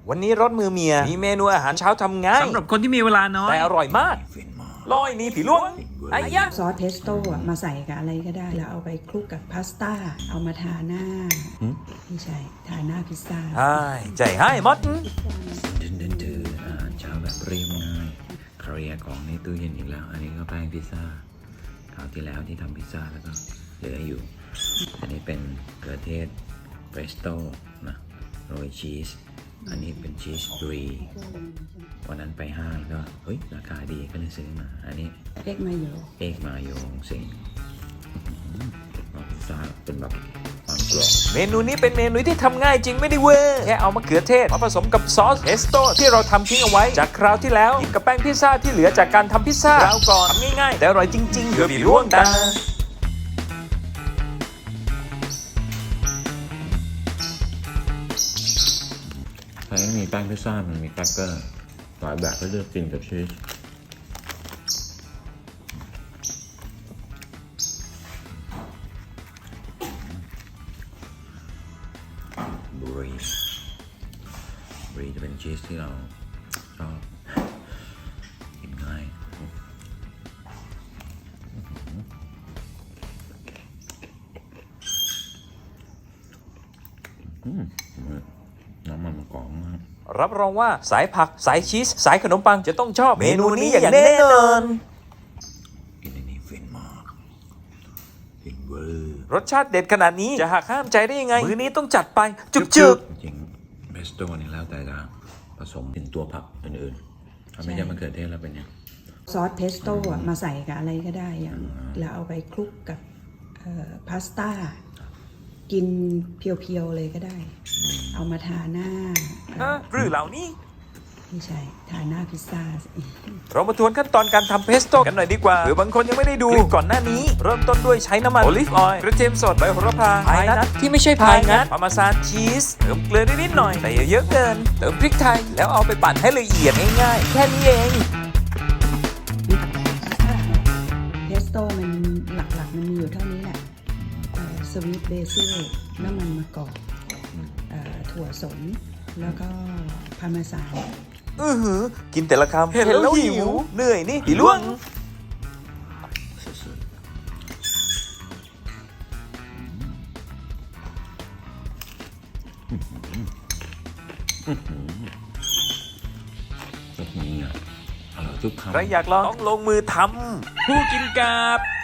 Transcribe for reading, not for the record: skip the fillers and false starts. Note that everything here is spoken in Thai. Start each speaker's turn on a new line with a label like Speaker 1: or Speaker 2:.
Speaker 1: วันนี้รสมือเมียมีเมนูอาหารเช้าทำง่าย
Speaker 2: สำหรับคนที่มีเวลาน้อย
Speaker 1: แต่อร่อยมากลอยนี่ผีล่วงไอ้ยะ
Speaker 3: ซอสเพสโต้อะมาใส่กับอะไรก็ได้ แล้วเอาไปคลุกกับพาสต้า เอามาทาหน้าไม่ใช่ทาหน้าพิซซ่า
Speaker 1: ใช่ใจให้มด
Speaker 2: ดื้ออาหารเช้าแบบเรียบง่ายเคลียร์ของในตู้เย็นอีกแล้ว อันนี้ก็แป้งพิซซ่าคราวที่แล้วที่ทำพิซซ่าแล้วก็เหลืออยู่ อันนี้เป็นเกลือเทศเฟรสโต้นะโรยชีสอันนี้เป็นชีสบรีวันนั้นไปห้างก็เฮ้ยราคาดีก็เลยซื้อมาอันนี้
Speaker 3: เอ็กมาโย
Speaker 2: เอกมาโยงสิงพิซซ่าเป็นแบบความกรอบ
Speaker 1: เมนูนี้เป็นเมนูที่ทำง่ายจริงไม่ได้เวอร์แค่เอามะเขือเทศมาผสมกับซอสเพสโต้ที่เราทำทิ้งเอาไว้จากคราวที่แล้วกินกับแป้งพิซซ่าที่เหลือจากการทำพิซซ่าคราวก่อนทำง่ายๆแต่อร่อยจริงๆเกือบผีล่วงตา
Speaker 2: ใช้มีแป้งพิซซ่ามันมีแครกเกอร์หลายแบบให้เลือกกินกับชีสบรีจะเป็นชีสที่เราชอบกินง่ายน้ำมันมะกอกมาก
Speaker 1: รับรองว่าสายผักสายชีสสายขนมปังจะต้องชอบเมนูนี้อย่างแน่นอน
Speaker 2: กินอันนี้ฟินมากฟินเวอร์
Speaker 1: รสชาติเด็ดขนาดนี้จะหักห้ามใจได้ยังไงมื้อนี้ต้องจัดไปจุก
Speaker 2: จริงๆเบสโต้นี่แล้วแต่จะผสมเป็นตัวผักอื่นๆถ้าไม่ใช่มะเขือเทศแล้วเป็นยัง
Speaker 3: ซอสเพสโต้อะมาใส่กับอะไรก็ได้อย่างแล้วเอาไปคลุกกับพาสต้า กินเพียวๆเลยก็ได้ เอามาทาหน้า
Speaker 1: หรือเหล่านี้
Speaker 3: ไม่ใช่ทาหน้าพิซซ่า
Speaker 1: เรามาทวนขั้นตอนการทำเพสโต้กันหน่อยดีกว่าหรือบางคนยังไม่ได้ดูก่อนหน้านี้ เริ่มต้นด้วยใช้น้ำมันโอลิฟออยล์กระเทียมสดใบโหระพาพายนัทที่ไม่ใช่พายงัดพาร์เมซานชีสเติมเกลือนิดหน่อยแต่อย่าเยอะเกินเติมพริกไทยแล้วเอาไปปั่นให้ละเอียดง่ายๆแค่นี้เอง
Speaker 3: เพสโต้มันหลักๆมันมีอยู่เท่านี้แหละสวีทเบซิลน้ำมันมะกอกถั่วสนแล้วก็พาร์เมซาน
Speaker 1: กินแต่ละคำเห็นแล้วหิวเหนื่อยนี่ผีล่วง
Speaker 2: สุดๆนี่อ่ะอร่อยทุกคำ
Speaker 1: ใครอยากลองต้องลงมือทำผู้กินกาบ